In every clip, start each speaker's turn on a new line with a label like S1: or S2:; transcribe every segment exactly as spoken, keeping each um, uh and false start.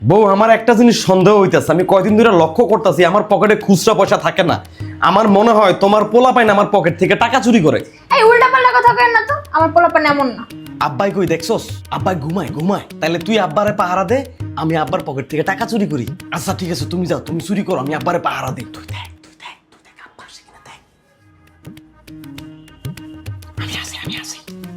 S1: বউ আমার একটা জিনিস সন্দেহ হইতেছে, আমি কয়দিন ধরে লক্ষ্য করতেছি আমার পকেটে খুচরা পয়সা থাকে না। আমার মনে হয় তোমার পোলা পাইন আমার পকেট থেকে টাকা চুরি করে।
S2: এই উল্টা পাল্টা কথা কেন না তো, আমার পোলাপান এমন না।
S1: আব্বাই কই দেখছস? আব্বাই ঘুমায় ঘুমায়। তাহলে তুই আব্বারে পাহারা দে, আমি আব্বার পকেট থেকে টাকা চুরি করি। আচ্ছা ঠিক আছে, তুমি যাও, তুমি চুরি করো, আমি আব্বারে পাহারা দিই। তুই দেখ তুই দেখ তুই দেখ আব্বা আসে কিনা দেখ। আমি আসি আমি আসি।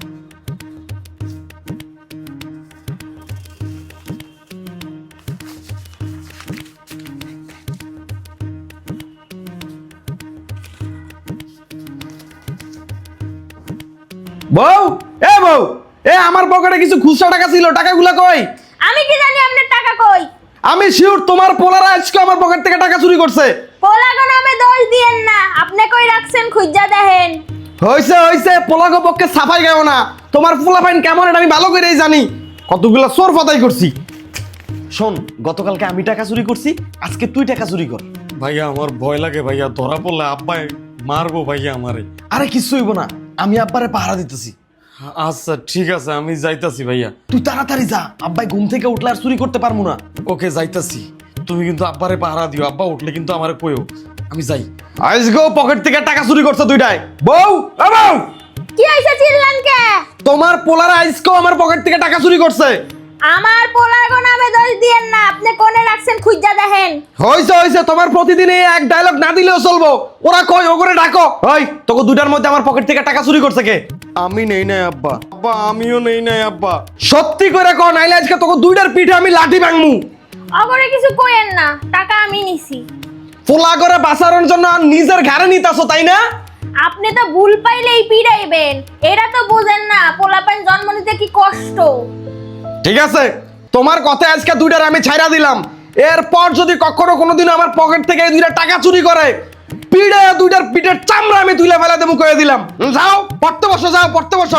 S1: বউ, এ বউ, এ আমার পকেটে কিছু খুচরা টাকা ছিল, টাকাগুলো কই?
S2: আমি কি জানি আপনার টাকা কই?
S1: আমি শিওর তোমার পোলারা আজকে আমার পকেট থেকে টাকা চুরি করছে।
S2: পোলাগো নামে দোষ দিয়েন না, আপনি কই রাখছেন খুঁজা দেখেন।
S1: হইছে হইছে, পোলাগো পক্ষে সাফাই গাও না। তোমার পোলাপাইন কেমন এটা আমি ভালো করেই জানি। কতগুলা চোর ফাতাই করছি। শোন, গতকালকে আমি টাকা চুরি করছি, আজকে তুই টাকা চুরি কর।
S3: ভাইয়া আমার ভয় লাগে ভাইয়া, ধরা পড়লে আব্বাই মারবো ভাইয়া আমারে।
S1: আরে কিছু হইব না, আমি আব্বারে পাহারা দিতেছি।
S3: আচ্ছা ঠিক আছে, আমি যাইতাছি ভাইয়া।
S1: তুই তাড়াতাড়ি যা, আব্বাই ঘুম থেকে উঠলে আর চুরি করতে পারবো না।
S3: ওকে যাইতাছি, তুমি কিন্তু আব্বারে পাহারা দিও, আব্বা উঠলে কিন্তু আমারে কইও। আমি যাই।
S1: আজকে পকেট থেকে টাকা চুরি করছে দুইটাই। বউ, এ বউ,
S2: কি হইছে চিল্লান কে?
S1: তোমার পোলারা আজকেও আমার পকেট থেকে টাকা চুরি করছে।
S2: আমার পোলাগো নামে দোষ দিয়েন না, আপনি কোনে রাখছেন খুঁজা দেখেন।
S1: হইছে হইছে, তোমার প্রতিদিন এই এক ডায়লগ না দিলেও চলবো। ওরা কই, ওগরে ডাকো। ওই তোকে দুইটার মধ্যে আমার পকেট থেকে টাকা চুরি করছে কে?
S3: আমি নেই নাই আব্বা, আব্বা আমিও নেই নাই আব্বা।
S1: সত্যি করে কও, নাইলে আজকে তোকে দুইটার পিঠে আমি লাঠি ভাঙমু।
S2: অগরে কিছু কইেন না, টাকা আমি নিছি।
S1: পোলা করে বাঁচানোর জন্য আর নিজের ঘাড়ে নিতাছো, তাই না?
S2: আপনি তো ভুল পাইলেই পিড়াইবেন, এটা তো বুঝেন না পোলাপান জন্ম নিতে কি কষ্ট।
S1: ঠিক আছে, তোমার কথা আজকে দুইটার আমি ছাইরা দিলাম। এরপর যদি কখনো কোনোদিন আমার পকেট থেকে এই দুইটা টাকা চুরি করে, পিড়ে দুইটার পিঠের চামড়া আমি তুলে ফেলা দেবো কয়ে দিলাম। যাও পড়তে বসো, যাও পড়তে বসো।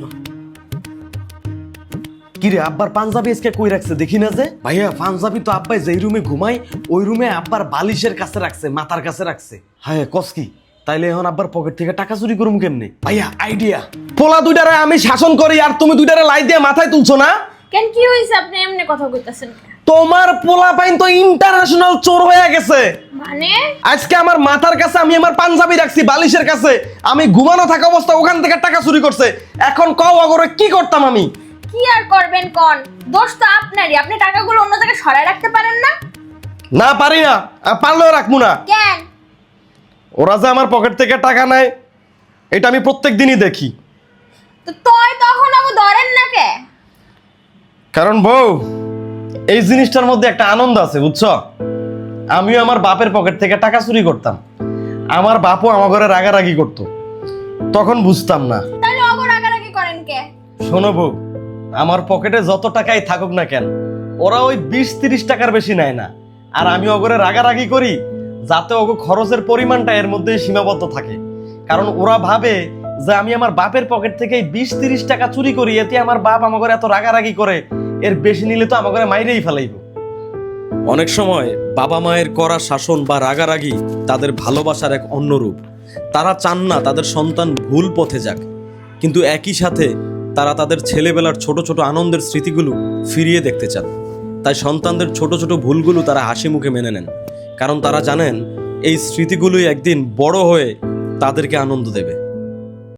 S1: কিরে, আব্বার পাঞ্জাবি আজকে কই রাখছে দেখি না যে? ভাইয়া পাঞ্জাবি তো আব্বাই যেই রুমে ঘুমাই ওই রুমে আব্বার বালিশের কাছে রাখছে, মাথার কাছে রাখছে। হ্যাঁ কস কি, তাইলে এখন আব্বার পকেট থেকে টাকা চুরি করুম কেমনে? ভাইয়া আইডিয়া। পোলা দুইটারে আমি শাসন করি আর তুমি দুইটারে লাই দিয়ে মাথায় তুলছো না
S2: কেন, কি হইছে আপনি এমনি কথা কইতাছেন?
S1: তোমার পোলা পাইন তো ইন্টারন্যাশনাল চোর হয়ে গেছে।
S2: মানে
S1: আজকে আমার মাথার কাছে আমি আমার পাঞ্জাবি রাখছি বালিশের কাছে, আমি ঘুমানো থাকা অবস্থা ওখান থেকে টাকা চুরি করছে। এখন কও অগরে কি করতাম আমি?
S2: কি আর করবেন কোন, দোষ তো আপনারই, আপনি টাকাগুলো অন্য জায়গায় সরায় রাখতে পারেন না।
S1: না পারি না, আর পারলেও রাখবো না।
S2: কেন?
S1: ওরা যে আমার পকেট থেকে টাকা নেয় এটা আমি প্রত্যেক দিনই দেখি।
S2: তো তয় তখন আমি ধরেন না কে?
S1: কারণ বউ, এই জিনিসটার মধ্যে একটা আনন্দ আছে বুঝছো। আমিও আমার বাপের পকেট থেকে টাকা চুরি করতাম, আমার বাপও আমার ঘরে রাগারাগি করতো, তখন বুঝতাম না।
S2: তাহলে অগর রাগারাগি করেন কে?
S1: শোনো বউ, আমার পকেটে যত টাকাই থাকুক না কেন, ওরা ওই বিশ তিরিশ টাকার বেশি নেয় না। আর আমি ওগরে রাগারাগি করি যাতে ওগো খরচের পরিমাণটা এর মধ্যে সীমাবদ্ধ থাকে। কারণ ওরা ভাবে যে আমি আমার বাপের পকেট থেকে বিশ তিরিশ টাকা চুরি করি, এতে আমার বাপ আমাকে এত রাগারাগি করে, এর বেশি নিলে তো আমাকে মাইরেই ফেলাইব।
S4: অনেক সময় বাবা মায়ের করা শাসন বা রাগারাগি তাদের ভালোবাসার এক অন্য রূপ। তারা চান না তাদের সন্তান ভুল পথে যাক, কিন্তু একই সাথে তারা তাদের ছেলেবেলার ছোট ছোট আনন্দের স্মৃতিগুলো ফিরিয়ে দেখতে চান। তাই সন্তানদের ছোট ছোট ভুলগুলো তারা হাসি মুখে মেনে নেন, কারণ তারা জানেন এই স্মৃতিগুলোই একদিন বড় হয়ে তাদেরকে আনন্দ দেবে।